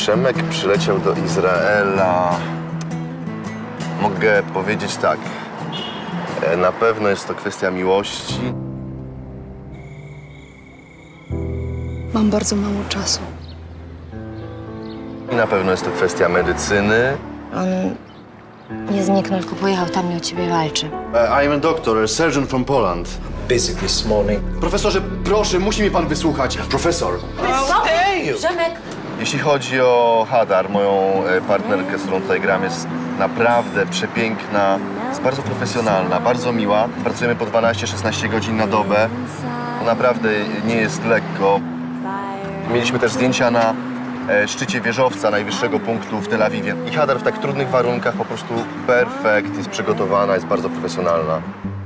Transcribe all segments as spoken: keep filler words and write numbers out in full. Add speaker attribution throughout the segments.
Speaker 1: Przemek przyleciał do Izraela. Mogę powiedzieć tak. Na pewno jest to kwestia miłości.
Speaker 2: Mam bardzo mało czasu.
Speaker 1: I na pewno jest to kwestia medycyny.
Speaker 3: On nie zniknął, tylko pojechał tam i o ciebie walczy.
Speaker 1: Uh, I am a doctor, a surgeon from Poland.
Speaker 4: Busy this morning.
Speaker 5: Profesorze, proszę, musi mnie pan wysłuchać. Profesor.
Speaker 3: Przemek!
Speaker 1: Jeśli chodzi o Hadar, moją partnerkę, z którą tutaj gram, jest naprawdę przepiękna, jest bardzo profesjonalna, bardzo miła. Pracujemy po dwanaście szesnaście godzin na dobę. To naprawdę nie jest lekko. Mieliśmy też zdjęcia na szczycie wieżowca, najwyższego punktu w Tel Awiwie. I Hadar w tak trudnych warunkach po prostu perfekt, jest przygotowana, jest bardzo profesjonalna.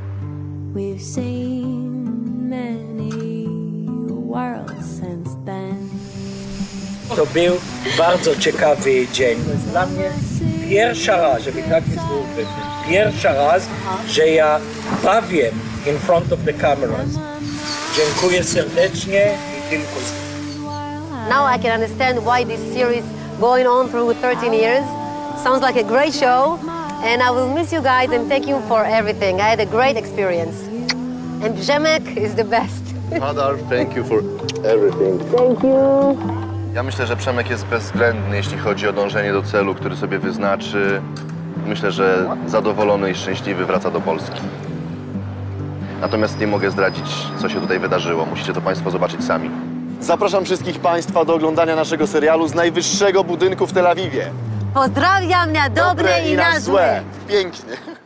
Speaker 4: To był bardzo ciekawy dzień. Dla mnie pierwsza raz, żeby tak wysłuchać, pierwsza raz, że ja bawię in front of the cameras. Dziękuję serdecznie i tylko.
Speaker 6: Now I can understand why this series going on through thirteen years. Sounds like a great show, and I will miss you guys and thank you for everything. I had a great experience. And Przemek is the best.
Speaker 1: Hadar, thank you for everything.
Speaker 6: Thank you.
Speaker 1: Ja myślę, że Przemek jest bezwzględny, jeśli chodzi o dążenie do celu, który sobie wyznaczy. Myślę, że zadowolony i szczęśliwy wraca do Polski. Natomiast nie mogę zdradzić, co się tutaj wydarzyło. Musicie to państwo zobaczyć sami. Zapraszam wszystkich państwa do oglądania naszego serialu z najwyższego budynku w Tel Awiwie.
Speaker 6: Pozdrawiam na dobre,
Speaker 1: Dobre
Speaker 6: i na złe.
Speaker 1: Pięknie.